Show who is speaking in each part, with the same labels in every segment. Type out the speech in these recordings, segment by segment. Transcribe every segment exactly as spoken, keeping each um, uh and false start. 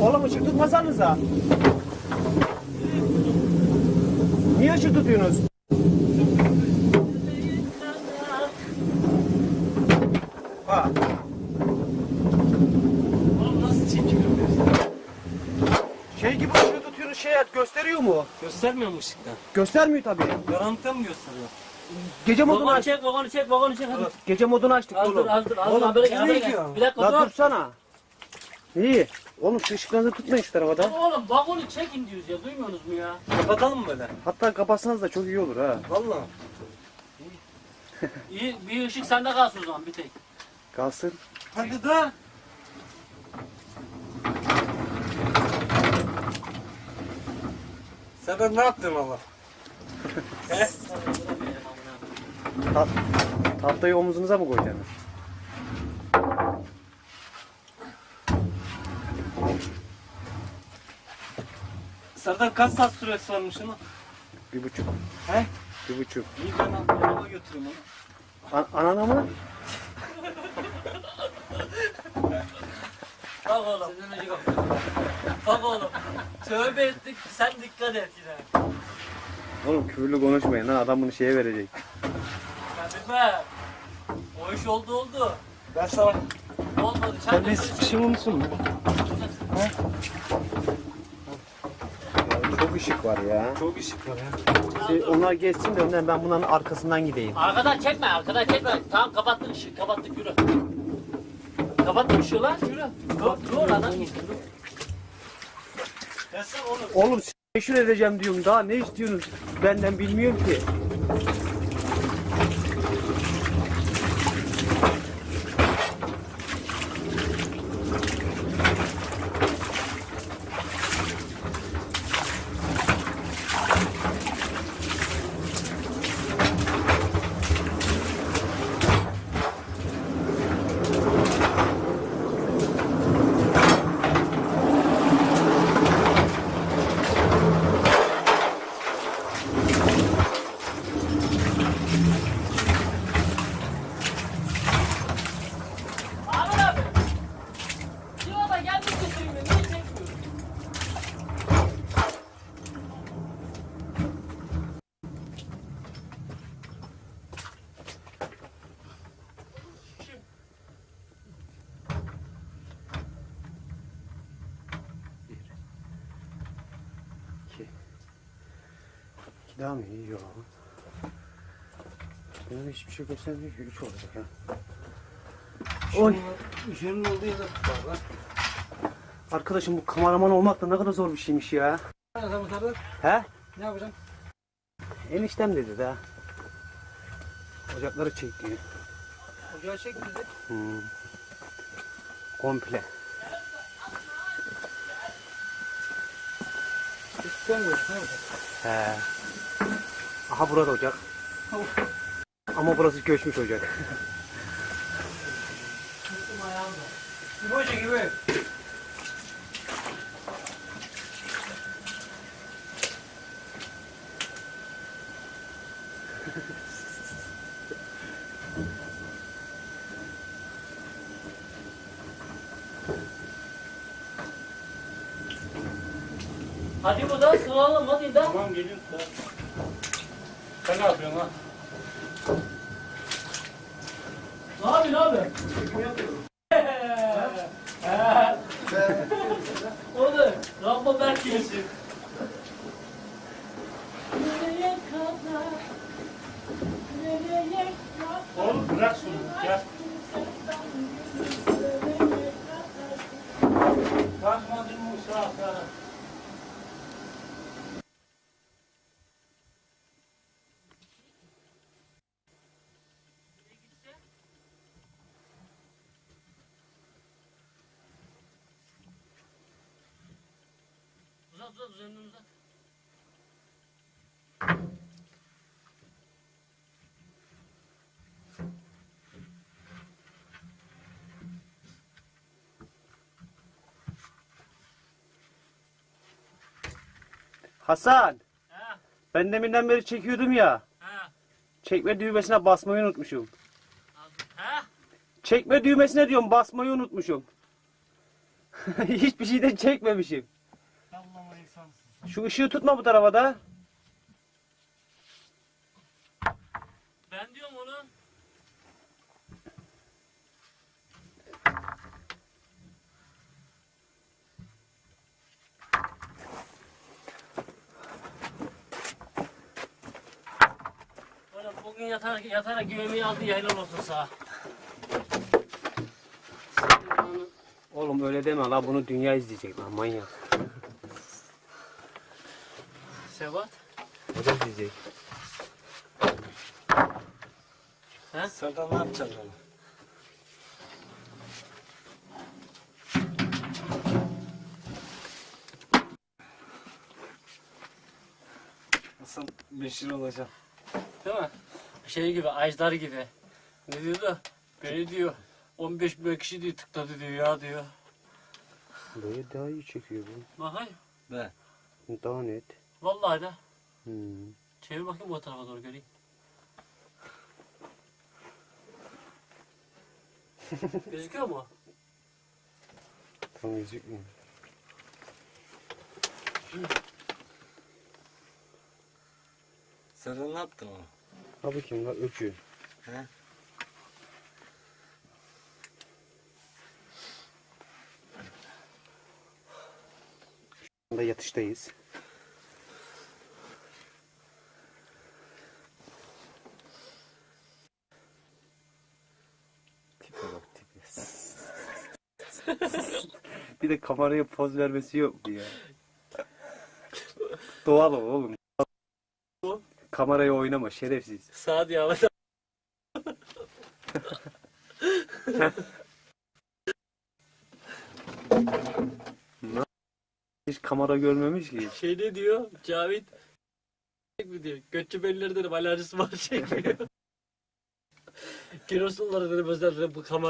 Speaker 1: Oğlum ışık tutmasanıza. Niye ışık tutuyorsunuz? Ha.
Speaker 2: Oğlum nasıl çekim yapıyorsun?
Speaker 1: Şey gibi ışığı tutuyorsunuz, şey gösteriyor mu?
Speaker 2: Göstermiyor mu ışıktan?
Speaker 1: Göstermiyor tabii.
Speaker 2: Karanlıkta mı gösteriyor?
Speaker 1: Gece modunu
Speaker 2: Vagonu
Speaker 1: açtık.
Speaker 2: çek, vagonu çek, vagonu çek hadi.
Speaker 1: Gece modunu açtık
Speaker 2: Az dur,
Speaker 1: oğlum.
Speaker 2: az dur, az dur.
Speaker 1: Oğlum,
Speaker 2: Habere gel,
Speaker 1: nereye
Speaker 2: habere gel.
Speaker 1: gidiyorsun?
Speaker 2: Bir dakika
Speaker 1: La
Speaker 2: dur.
Speaker 1: dursana. İyi. Oğlum şu ışıklarınızı tutmayın şu tarafa da.
Speaker 2: Oğlum vagonu çekin diyoruz ya, duymuyorsunuz mu ya? Kapatalım mı böyle?
Speaker 1: Hatta kapatsanız da çok iyi olur ha.
Speaker 2: Vallahi. İyi, bir ışık sende kalsın o zaman bir tek.
Speaker 1: Kalsın.
Speaker 2: Hadi da. Sen ben ne yaptın valla? He?
Speaker 1: Ta tahtayı omuzunuza mı koyacaksınız?
Speaker 2: Serdar kaç saat süresi varmış ama?
Speaker 1: Bir buçuk.
Speaker 2: He?
Speaker 1: Bir buçuk.
Speaker 2: İyi ben araba götüreyim onu.
Speaker 1: An anana mı?
Speaker 2: Bak oğlum. Senden önce bak. Bak oğlum. Tövbe ettik sen dikkat et yine.
Speaker 1: Oğlum küfürlü konuşmayın lan, adam bunu şeye verecek.
Speaker 2: Hadi be. O iş oldu oldu.
Speaker 3: Ben sana
Speaker 2: Olmadı. Sen
Speaker 3: sen
Speaker 2: de
Speaker 3: bir sıkışımı musun?
Speaker 1: Ya, çok ışık var ya.
Speaker 3: Çok ışık var ya.
Speaker 1: Şey, onlar geçsin de önden ben bunların arkasından gideyim.
Speaker 2: Arkadan çekme, arkadan çekme. Tamam kapattık ışığı, kapattık yürü. Kapattık ışığı lan, yürü. Dur, dur lan git. Gelsin oğlum.
Speaker 1: Oğlum meşhur edeceğim diyorum, daha ne istiyorsunuz benden bilmiyorum ki.
Speaker 2: Ahmet abi. Civada geldik götüreyim ben, niye çekmiyorsun?
Speaker 1: İki. İki daha mı iyi? Yok. Benim hiçbir şey göstermiyor ki, üç olacak ha. Oy.
Speaker 3: Işığının olduğu yerde var lan.
Speaker 1: Arkadaşım bu kameraman olmak da ne kadar zor bir şeymiş ya.
Speaker 3: Ne yapacağım Serdar?
Speaker 1: He?
Speaker 3: Ne yapacağım?
Speaker 1: Eniştem dedi de. Ocakları çek diyor.
Speaker 3: Ocağı çek bizi.
Speaker 1: Hmm. Komple.
Speaker 3: İstemiyoruz. Ne yapacağız?
Speaker 1: He. Aha burada ocak. Ama burası göçmüş ocak.
Speaker 3: Gibi hoca gibi.
Speaker 2: Hadi bu da sığalım hadi da.
Speaker 3: Tamam geliyorum. Sen ne yapıyorsun lan?
Speaker 2: Ne yapıyorsun abi?
Speaker 3: Çekim yapıyorum.
Speaker 2: O da Rambo Berk gibisin. Nereye kadar? Nereye kadar?
Speaker 3: Oğlum bırak şunu. Gel. Bakmadın mı uşaklara?
Speaker 2: Uzat uzat üzerinden uzat.
Speaker 1: Hasan,
Speaker 2: Ha
Speaker 1: ben deminden beri çekiyordum ya.
Speaker 2: ha.
Speaker 1: Çekme düğmesine basmayı unutmuşum.
Speaker 2: Ha?
Speaker 1: Çekme düğmesine diyorum, basmayı unutmuşum.
Speaker 4: Hiçbir şeyden çekmemişim.
Speaker 3: Allah'ım insansın.
Speaker 4: Şu ışığı tutma bu tarafa da.
Speaker 2: Ben diyorum onu. Oğlum bugün yatarak, yatarak güvemeyi aldı ya, helal olsun sağ.
Speaker 4: Oğlum öyle deme la, bunu dünya izleyecek lan, manyak.
Speaker 2: Sebat.
Speaker 4: O da izleyecek.
Speaker 2: He?
Speaker 3: Serdar ne yapacaksın onu? Nasıl meşhur olacağım?
Speaker 2: Değil mi? Şey gibi, Ajdar gibi. Ne diyordu? Beni diyor, on beş bin kişi diyor tıkladı diyor ya diyor.
Speaker 4: Böyle daha iyi çekiyor bu.
Speaker 2: Bakayım.
Speaker 3: Ben.
Speaker 4: Daha net.
Speaker 2: Vallahi de.
Speaker 4: Hmm.
Speaker 2: Çevir bakayım o tarafa doğru göreyim. Gözüküyor mu?
Speaker 4: Tam gözükmüyor.
Speaker 3: Serdar ne yaptın onu?
Speaker 4: Abi kim la, ökü.
Speaker 3: He?
Speaker 4: Şu anda yatıştayız. Tipe bak tipe. Bir de kameraya poz vermesi yok mu ya? Doğal ol oğlum. Kameraya oynama şerefsiz.
Speaker 2: Sağ diye havada.
Speaker 4: Hiç kamera görmemiş ki.
Speaker 2: Şey ne diyor? Cavit mi diyor? Götçü bellileri dedim, alerjisi var çekmiyor. Kirosulları dedim, özel dedim, bu kamera.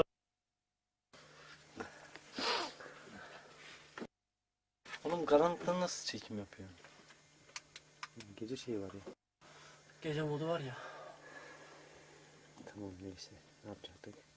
Speaker 3: Oğlum karanlıkta nasıl çekim yapıyor?
Speaker 4: Gece şey var ya.
Speaker 2: Gece modu var ya.
Speaker 4: Tamam neyse. Ne yapacaktık?